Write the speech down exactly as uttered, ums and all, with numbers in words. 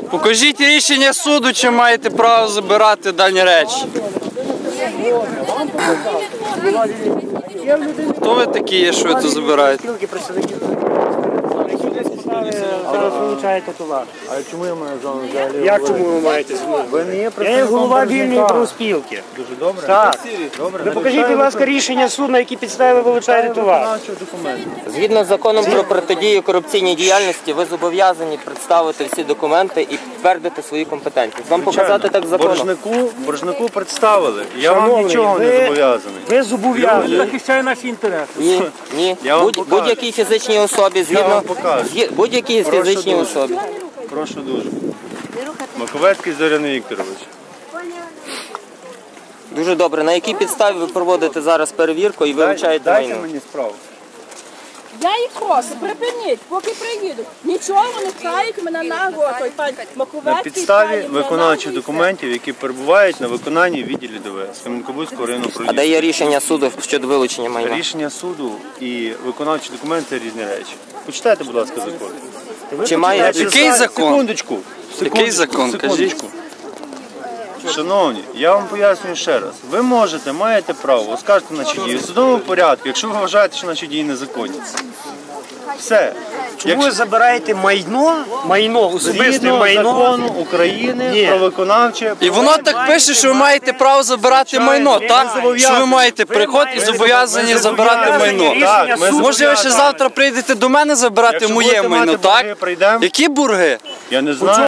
Покажіть рішення суду, чи маєте право забирати дані речі. Хто ви такі є, що ви тут забираєте? Зараз вилучаєте товар. А чому я маю з вами взагалі? Як чому ви маєте змогу? Ви не є Я є представником голова вільної боржника. профспілки. Дуже добре. Так. Добре. Ви покажіть, будь ласка, рішення суду, на які підстави ви вилучаєте товар. Згідно з законом про протидію корупційній діяльності, ви зобов'язані представити всі документи і підтвердити свої компетентність. Вам показати так законом? Боржнику, боржнику представили. Я вам Шановний, нічого не ви- зобов'язаний. Ви зобов'язані. Захищає наші інтереси. Ні, ні. Я вам Будь- покажу. Будь-якій фізичній особі, Я згідно вам покажу. згі- будь-якій Прошу фізичній дуже. особі. Прошу дуже. Маковецький Зорян Вікторович. Дуже добре. На якій підставі ви проводите зараз перевірку і вилучаєте Дайте майно? мені справу. Я їх прошу, припиніть, поки приїдуть. Нічого вони пхають мене на гору, той пан Маковецький. На підставі пхає мене виконавчих нахуй і документів, які перебувають на виконанні відділі ДВС Кам'янка-Бузького районного А де управління. є рішення суду щодо вилучення майна? Рішення суду і виконавчі документи – це різні речі. Почитайте, будь ласка, закон. Чи має Який закон? Секундочку. Який закон? Секундочку. Шановні, я вам пояснюю ще раз. Ви можете, маєте право оскаржити наші дії в судовому порядку, якщо ви вважаєте, що наші дії незаконні. Все. Чому ви забираєте майно, майно, особисте Згідно майно? закону України Ні. про виконавче... І воно так пише, що ви маєте право забирати майно, так? Що ви маєте приход і зобов'язані забирати майно. Так, ми Може ви ще завтра прийдете до мене забирати Якщо моє будете майно, мати борги, так? прийдемо. Які бурги? Я не знаю.